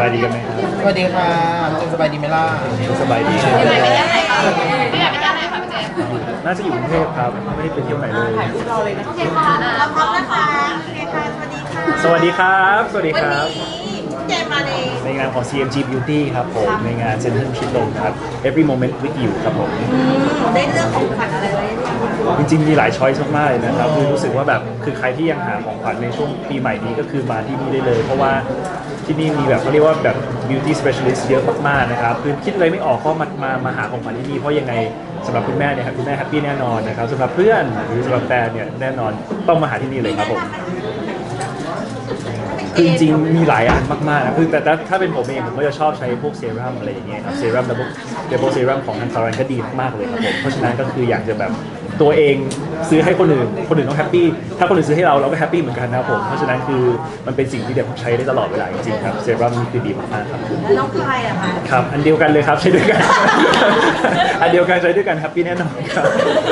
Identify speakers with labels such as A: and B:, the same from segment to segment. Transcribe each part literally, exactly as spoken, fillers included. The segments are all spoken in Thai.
A: บายดีกันไหมครับ
B: สวัสดีค่ะเจนสบายดีไหมล่ะ
A: สบายดี
C: ไม่ไปเที่ยวไหนคะไม่อยากไปเที่ยวไหนคะพี่เจมส์
A: น่าจะอยู่กรุงเทพครับไม่ได้ไปเที่ยวไหนเลย
C: โอเคค่ะเราพร้อมนะคะโอเคค่ะสวัสดีค่ะ
A: สวัสดีครับสวัสดีครับ
C: วันนี้เจมมาใน
A: ในงานของ ซี เอ็ม จี Beauty ครับผมในงานเซ็นทรัลชิดลมครับ Every Moment with You ครับผม
C: ได้เรื่องของขวัญอะไรไว้
A: จริงๆมีหลายช้อยส์มากๆเลยนะครับคือรู้สึกว่าแบบคือใครที่ยังหาของขวัญในช่วงปีใหม่นี้ก็คือมาที่นี่ได้เลย เพราะว่าที่นี่มีแบบเขาเรียกว่าแบบ beauty specialist เยอะมากๆนะครับคือคิดอะไรไม่ออกก็มามามาหาของขวัญที่นี่เพราะยังไงสำหรับคุณแม่เนี่ยครับคุณแม่แฮปปี้แน่นอนนะครับสำหรับเพื่อนหรือสำหรับแฟนเนี่ยแน่นอนต้องมาหาที่นี่เลยครับผมคือจริงๆมีหลายอันมากๆนะคือแต่ถ้าเป็นผมเองผมก็จะชอบใช้พวกเซรั่มอะไรอย่างเงี้ยครับเซรั่มดับเบิลดับเบิลเซรั่มของทางซารันก็ดีมากๆเลยครับผมเพราะฉะนั้นก็คืออยากจะแบบตัวเองซื้อให้คนอื่นคนอื่นต้องแฮปปี้ถ้าคนอื่นซื้อให้เราเราก็แฮปปี้เหมือนกันนะครับผมเพราะฉะนั้นคือมันเป็นสิ่งที่เดี๋ยวผมใช้ได้ตลอดเวลาจริงๆครับเซรั่มนี่คือดีมากๆครับ
C: แล้วน้องพายอะคะ
A: ครับอันเดียวกันเลยครับใช้ด้วยกัน อันเดียวกันใช้ด้วยกันแฮปปี้แน่นอนครับ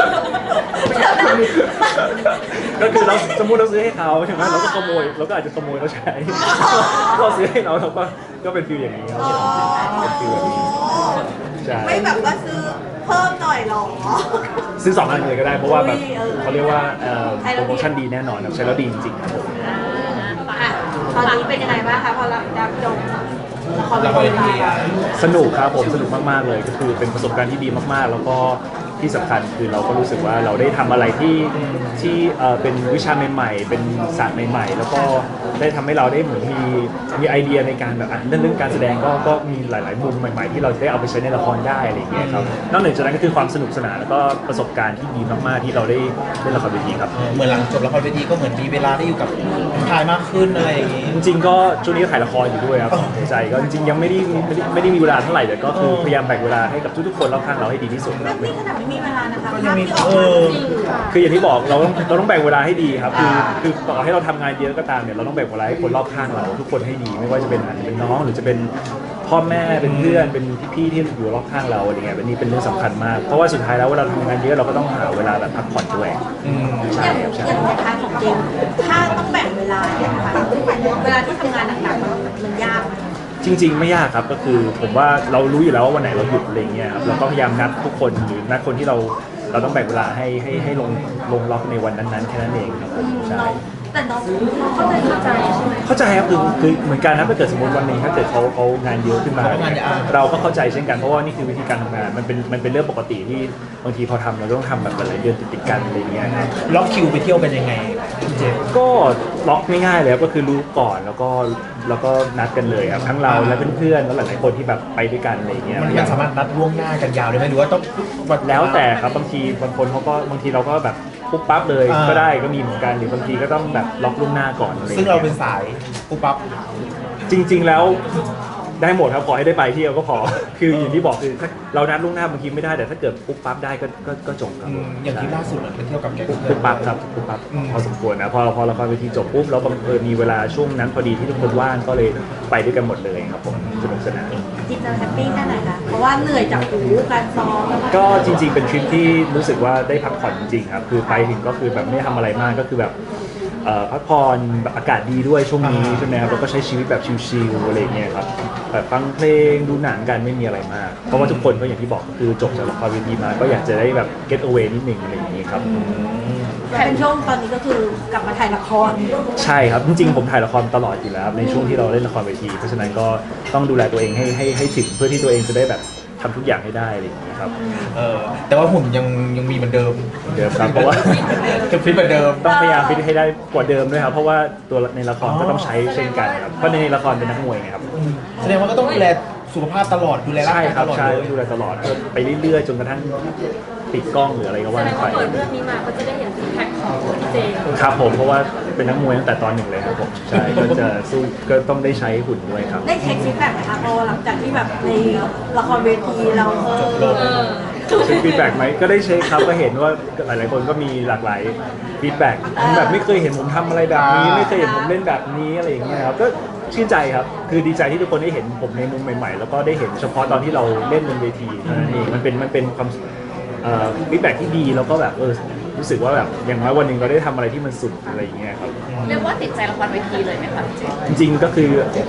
A: ก็คือเราสมมติเราซื้อให้เขาใช่ไหมเราก็ขโมยเราก็อาจจะขโมยเขาใช้เราซื้อให้เราเราก็ก็เป็นฟิลอย่างนี้ครับเป็นฟิลแบบนี้ใช่
C: ไม่แบบว่าซื้อเพิ่มหน่อยหรอ
A: ซื้อสองอันเลยก็ได้เพราะว่าแบบเขาเรียกว่าโปรโมชั่นดีแน่นอนครับใช้แล้วดีจริงๆครับผม
C: ตอนนี้เป็นยังไงบ้างคะพอเราดับจบ
B: ละครเวที
A: สนุกครับผมสนุกมากๆเลยก็คือเป็นประสบการณ์ที่ดีมากๆแล้วก็ที่สำคัญคือเราก็รู้สึกว่าเราได้ทำอะไรที่ที่เป็นวิชาใหม่ๆเป็นศาสตร์ใหม่ๆแล้วก็ได้ทำให้เราได้เหมือนมีมีไอเดียในการแบบเรื่องเรื่องการแสดงก็ก็มีหลายๆมุมใหม่ๆที่เราจะได้เอาไปใช้ในละครได้อะไรอย่างเงี้ยครับนอกจากนั้นก็คือความสนุกสนานแล้วก็ประสบการณ์ที่ดีมากๆที่เราได้เล่นละครเวทีครับ
B: เหมือนหลังจบละครเวทีก็เหมือนมีเวลาได้อยู่กับถ่ายมากขึ้นอะไรอย่างงี้
A: จริงๆก็ช่วงนี้ถ่ายละครอยู่ด้วยครับในใจก็จริงๆยังไม่ได้ไม่ได้ไม่ได้มีเวลาเท่าไหร่แต่ก็คือพยายามแบ่งเวลาให้กับทุกๆคนรอบข้างเราให้ดีที่สุดครับ
C: นี่ขนาดไม่มีเวลานะคะ
B: ก็ยังมีเออ
A: คืออย่างที่บอกเราต้องเราต้องแบ่งเวลาให้ดีครับคือคือต่อให้เราทำงานเยอะก็ตามเนี่ยเราต้องแบ่งเวลาให้คนรอบข้างเราทุกคนให้ดีไม่ว่าจะเป็นอาจจะเป็นน้องหรือจะเป็นพ่อแม่เป็นเพื่อนเป็นพี่ๆที่อยู่รอบข้างเราอะไรเงี้ยเป็นนี่เป็นเรื่องสำคัญมากเพราะว่าสุดท้ายแล้วเวลาทำงานเยอะเราก็ต้องหาเวลาแบบพักผ่อนด้วยใช่ครับใช่
C: อย่างในทางของเจมถ้าต้องแบ่งเวลาเนี่ยนะคะเวลาที่ทำงานหนักๆมันยาก
A: จริงๆไม่ยากครับก็คือผมว่าเรารู้อยู่แล้วว่าวันไหนเราหยุดอะไรเงี้ยครับเราก็พยายามนัดทุกคนหรือนัดคนที่เราเราต้องแบ่งเวลาให้ให้ให้ลงลงล็อกในวันนั้นๆแค่นั้นเองครับผมใช่
C: แต่น้องเข้าใจเข้าใจใช่ไหม
A: เข้าใจครับคือคือเหมือนกันนะถ้าเกิดสมมติวันหนึ่งถ้าเกิดเขาเขางานเยอะขึ้นมาเราก็เข้าใจเช่นกันเพราะว่านี่คือวิธีการทำงานมันเป็นมันเป็นเรื่องปกติที่บางทีพอทำเราต้องทำแบบหลายเดือนติดๆกันอะไรเงี้ยครับ
B: ล็อกคิวไปเที่ยวเป็นยังไงเจม
A: ก็ล็อกง่ายๆเลยก็คือรู้ก่อนแล้วก็แล้วก็นัดกันเลยครับทั้งเราและเพื่อนๆแล้วหลายๆคนที่แบบไปด้วยกันอะไรเงี้ย
B: มันสามารถนัดล่วงหน้ากันยาวได้ไหมหรือว่าต้อง
A: แล้วแต่ครับบางทีบางคนเขาก็บางทีเราก็แบบปุ๊บปั๊บเลยก็ได้ก็มีเหมือนกันหรือบางทีก็ต้องแบบล็อกล่วงหน้าก่อนอะไร
B: ซึ่งเราเป็นสายปุ๊บปั๊บ
A: จริงๆแล้วได้หมดครับขอให้ได้ไปเที่ยวก็พอคืออย่างที่บอกคือถ้าเรานัดล่วงหน้าบางทีไม่ได้แต่ถ้าเกิดปุ๊บปั๊บได้ก็ก็ก็จบครับ
B: อย่างที่ล่าสุดเราไปเที่ยวกับแก๊ง
A: ปุ๊บปั๊บครับปุ๊บปั๊บพอสมควรนะพอพอละครเวทีจบปุ๊บแล้วบังเอิญมีเวลาช่วงนั้นพอดีที่ทุกคนว่างก็เลยไปด้วยกันหมดเลยครับผมสนุกสนาน
C: จิตใจแฮปปี้แค่ไหนคะเพราะว่าเหนื่อยจากหูการซ้อม
A: ก็จริงๆเป็นทริปที่รู้สึกว่าได้พักผ่อนจริงๆครับคือไปถึงก็คือแบบไม่ได้ทำอะไรมากก็คือแบบพักผ่อนแบบอากาศดีด้วยช่วงนี้ใช่ไหมครับแล้วก็ใช้ชีวิตแบบชิลๆอะไรเงี้ยครับแบบฟังเพลงดูหนังกันไม่มีอะไรมากเพราะว่าทุกคนก็อย่างที่บอกก็คือจบจากละครเวทีมาก็อยากจะได้แบบ get away นิดหนึ่งอะไรอย่างนี้ครับ
C: แต่เป็นช่วงตอนนี้ก็คือกลับมาถ่ายละคร
A: ใช่ครับจริงๆผมถ่ายละครตลอดอยู่แล้วในช่วงที่เราเล่นละครเวทีเพราะฉะนั้นก็ต้องดูแลตัวเองให้ให้ให้ถึงเพื่อที่ตัวเองจะได้แบบทำทุกอย่างให้ได้อะไรอย่างนี้ครับ
B: เออแต่ว่าหุ่นยังยังมีเหมือนเดิม
A: เดิมครับเพราะว่า
B: จะฟิตเหมือนเดิม
A: ต้องพยายามฟิตให้ได้กว่าเดิมด้วยครับเพราะว่าตัวในละครก็ต้องใช้เช่นกันครับเพราะในละครเป็นนักมวยไงครับ
B: แสดงว่าก็ต้องดูแลสุขภาพตลอดดูแลร่างกายตลอด
A: ใช่ดูแลตลอดไปเรื่อยๆจนกระทั่งปิดกล้องหรืออะไรก็ว่าไป
C: เปิดเรื่องนี้มาก็จะได้เห็นซิกแพคของพี่เจ
A: ครับผมเพราะว่าเป็นนักมวยตั้งแต่ตอนหนึ่งเลยครับผมใช่ก็จะสู้ก็ต้องได้ใช้หุ่นด้วยครับ
C: ได้เช็คซิกแพคไหมคะพอหลังจากที่แบบในละครเวทีเราเออ
A: เช็คฟีดแบ็กไหมก็ได้เช็คครับก็เห็นว่าหลายๆคนก็มีหลากหลายฟีดแบ็กแบบไม่เคยเห็นผมทำอะไรแบบนี้ไม่เคยเห็นผมเล่นแบบนี้อะไรอย่างเงี้ยครับก็ชื่นใจครับคือดีใจที่ทุกคนได้เห็นผมในมุมใหม่ๆแล้วก็ได้เห็นเฉพาะตอนที่เราเล่นบนเวทีนั่นเองมันเป็นมันเป็นความฟีดแบ็กที่ดีแล้วก็แบบเออรู้สึกว่าแบบอย่างน้อยวันหนึ่งเราได้ทำอะไรที่มันสุดอะไรอย่างเงี้ยครับ
C: เรียกว่าติดใจละครเวทีเลยไหมคะ
A: จริงๆก็คือจ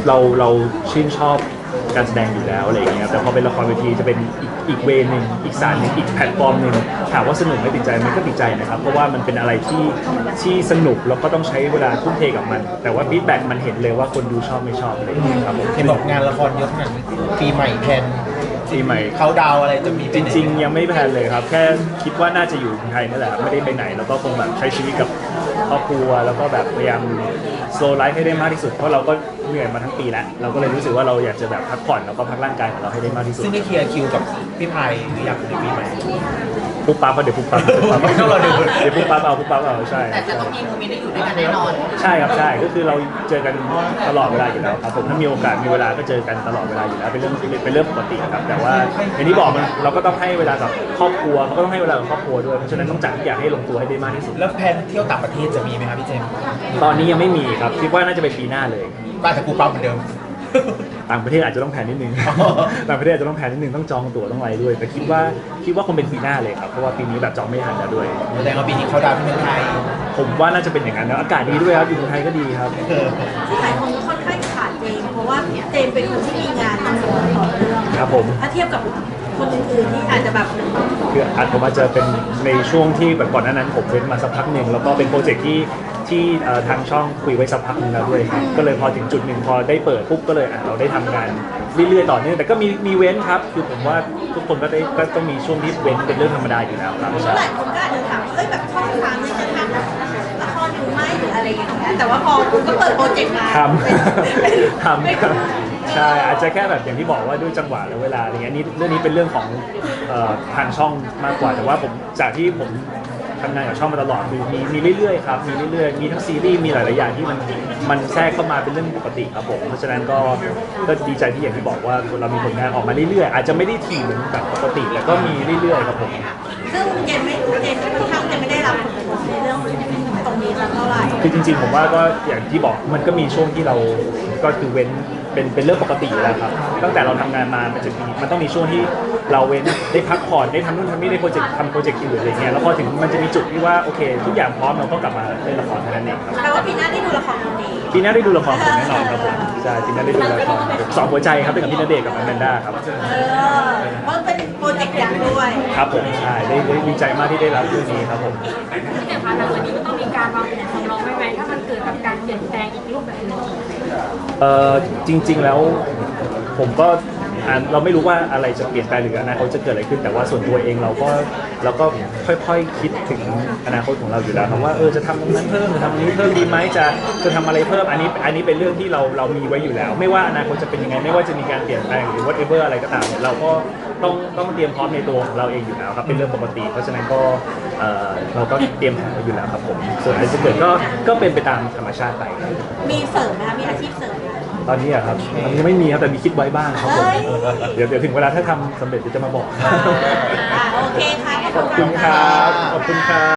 A: เราเราชื่นชอบการแสดงอยู่แล้วอะไรอย่างเงี้ยแต่พอเป็นละครเวทีจะเป็นอีกอีกเวนึงอีกสารหนึงอีกแพลตฟอร์มหนึ่งถามว่าสนุกไหม่ติดใจไหมันก็ติดใจนะครับเพราะว่ามันเป็นอะไรที่ที่สนุกแล้วก็ต้องใช้เวลาทุ่มเทกับมัน แต่ว่าฟีดแบ็กมันเห็นเลยว่าคนดูชอบไม่ชอบอะไรอย่างเงี้ยครับผม
B: เห็นบอกงานละครเยอะขนาดนี้ปีใหม่แทน
A: ปีใหม่
B: เขาดาวอะไรจะมี
A: จริงๆยังไม่แพลนเลยครับ แค่คิดว่าน่าจะอยู่ไทยนั่นแหละครับไม่ได้ไปไหนแล้วก็คงแบบใช้ชีวิตกับครอบครัวแล้วก็แบบพยายามโซลไลฟ์ให้ได้มากที่สุดเพราะเราก็เหนื่อยมาทั้งปีแล้วเราก็เลยรู้สึกว่าเราอยากจะแบบพักผ่อนแล้วก็พักร่างกายของเราให้ได้มากที่สุด
B: ซึ่งได้เคลียร์คิวกับพี่ไพายหรือยังในปีใหม่
A: ปุ๊บปั๊บก็เดี๋ยวปุ๊บปั๊บปุ๊บปั๊บ
B: ไม่ต้องรอดู
A: เดี๋ยวปุ๊บปั๊บเอาปุ๊บปั๊บเอาใช่
C: แต่จะต้องมีโมเมนต์ได้อยู่ด้วยกันแน่นอน
A: ใช่ครับใช่ก็คือเราเจอกันตลอดเวลาอยู่แล้วครับผมถ้ามีโอกาสมีเวลาก็เจอกันตลอดเวลาอยู่แล้วเป็นเรื่องเป็นเรื่องปกติครับแต่ว่าอย่างที่บอกมันเราก็ต้องให้เวลากับครอบครัวเขาก็ต้องให้เวลากับครอบครัวด้วยเพราะฉะนั้นต้องจัดทุกอย่างให้ลงตัวให้ได้มากที่สุด
B: แล้วแพลนเที่ยวต่างประเทศจะมีไหมครับพี่เจมส์
A: ตอนนี้ยังไม่มีครับคิดว่าน่าจะเป็นปีหน้าเลย
B: ก็อาจจะปูปั๊บเหมือนเดิม
A: ต่างประเทศอาจจะต้องแผนนิดนึง ต่างประเทศอาจจะต้องแผนนิดนึงต้องจองตั๋วต้องอะไรด้วย แต่คิดว่าคิดว่าคงเป็นปีหน้าเลยครับเพราะว่าปีนี้แบบจองไม่ทันแล้วด้วย
B: แสดงว่าปีนี้เขาดาวที่เมืองไทย
A: ผมว่าน่าจะเป็นอย่างนั้นนะอากาศดีด้วยครับอยู่เมืองไทยก็ดีครับ
B: เออ
C: ที่หลายคนก็ค่อนข้างขาดเจมส์เพราะว่าเจมส์เป็นคนที่มีงานต่อเนื่องต่อเนื่อง
A: ครับผม
C: ถ้าเทียบกับคนอื่นๆที่อาจจะแบบ
A: คืออาจผมอาจจะเป็นในช่วงที่แบบก่อนหน้านั้นผมเว้นมาสักพักหนึ่งแล้วก็เป็นโปรเจกต์ที่ที่เอ่อทางช่องคุยไว้สักพักหนึงแล้วด้วยครับก็เลยพอถึงจุดหนึ่งพอได้เปิดปุ๊บก็เลยอ่ะเราได้ทำงานเรื่อยๆต่อเนื่องแต่ก็มีมีเว้นครับคือผมว่าทุกคนก็ได้ก็ต้องมีช่วงที่เว้นเป็นเรื่องธรรมดาอยู่แล้วครับ
C: หลายคนก็อาจจะถามว่าเอ้ยแบบช่องทางเนี่ยจะทำละครอยู่ไหมหรืออะไรอย่างเงี้ยแต่ว่าพอคุณก็เปิดโปรเจกต์มา
A: ท
C: เป็น
A: ำทำครับใช่อาจจะแค่แบบอย่างที่บอกว่าด้วยจังหวะและเวลาอะไรเงี้ยนี่เรื่องนี้เป็นเรื่องของเอ่อทางช่องมากกว่าแต่ว่าผมจากที่ผมทำงานกับช่องมาตลอดคือมีมีเรื่อยๆครับมีเรื่อยๆมีทั้งซีรีส์มีหลายๆอย่างที่มันมันแทรกเข้ามาเป็นเรื่องปกติครับผมเพราะฉะนั้นก็ก็ดีใจที่อย่างที่บอกว่าเรามีผลงานออกมาเรื่อยๆอาจจะไม่ได้ถี่เหมือนแบบปกติแต่ก็มีเรื่อยๆครับผม
C: ซึ่งเจมไม่เจมค่อนข้างจะไม่ได้รับผลกระทบในเรื่องตรงนี้สักเท่าไหร่
A: คือจริงๆผมว่าก็อย่างที่บอกมันก็มีช่วงที่เราก็คือเว้นเป็นเป็นเรื่องปกติอยู่แล้วครับตั้งแต่เราทำงานมามันจะมีมันต้องมีช่วงที่เราเว้นได้พักผ่อนได้ทำนู่นทำนี่ได้โปรเจกต์ทำโปรเจกต์อื่นอะไรเงี้ยแล้วพอถึงมันจะมีจุดที่ว่าโอเค ทุกอย่างพร้อมเราก็กลับมาเล่นละครเท่านั้นเองครับ
C: แปลว่าปีหน้าได้ดูละครคนนี้
A: ปีหน้าได้ดูละครผมแน่นอนครับผมใช่ปีหน้าได้ดูละครสองหัวใจครับเป็นกับพี่ณเดชน์กับแมนด้าครับ
C: เออเพราะเป็นโปรเจกต์ยักษ์ด้วย
A: ครับผมใช่ได้ได้ดีใจมากที่ได้รับเรื่องนี้ครับผม
D: ที่เนี่ยคะหลังจากนี้ก็ต้องมีการวางแผนสำรองไว้ไหมถ้ามันเกิดกับการเปลี่ยนแปลงอีกรูปแบบหนึง
A: เอ่อจริงๆแล้วผมก็อ่าเราไม่รู้ว่าอะไรจะเปลี่ยนแปลงหรืออนาคตจะเกิดอะไรขึ้นแต่ว่าส่วนตัวเองเราก็เราก็ค่อยๆคิดถึงอนาคตของเราอยู่แล้วครับว่าเออจะทำตรงนั้นเพิ่มจะทำตรงนี้เพิ่มดีไหมจะจะทำอะไรเพิ่มอันนี้อันนี้เป็นเรื่องที่เราเรามีไว้อยู่แล้ว ไม่ว่าอนาคตจะเป็นยังไงไม่ว่าจะมีการเปลี่ยนแปลงหรือ whatever อะไรก็ตามเนี่ยเราก็ต้องต้องเตรียมพร้อมในตัวของเราเองอยู่แล้วครับเป็นเรื่องปกติ เพราะฉะนั้นก็เอ่อเราก็เตรียมแผนไว้อยู่แล้วครับผมส่วนอะไรจะเกิดก็ก็เป็นไปตามธรรมชาติไป
C: มีเสริมไหมคะมีอาชีพเสริมไหม
A: ตอนนี้อะครับตอนนี้ยังไม่มีครับแต่มีคิดไว้บ้างครับผม
C: เฮ้ย
A: เดี๋ยวเดี๋ยวถึงเวลาถ้าทำสำเร็จเดี๋ยวจะมาบอก
C: อ่าโอเคค่ะ
A: ขอบคุณครับ ขอบคุณครับ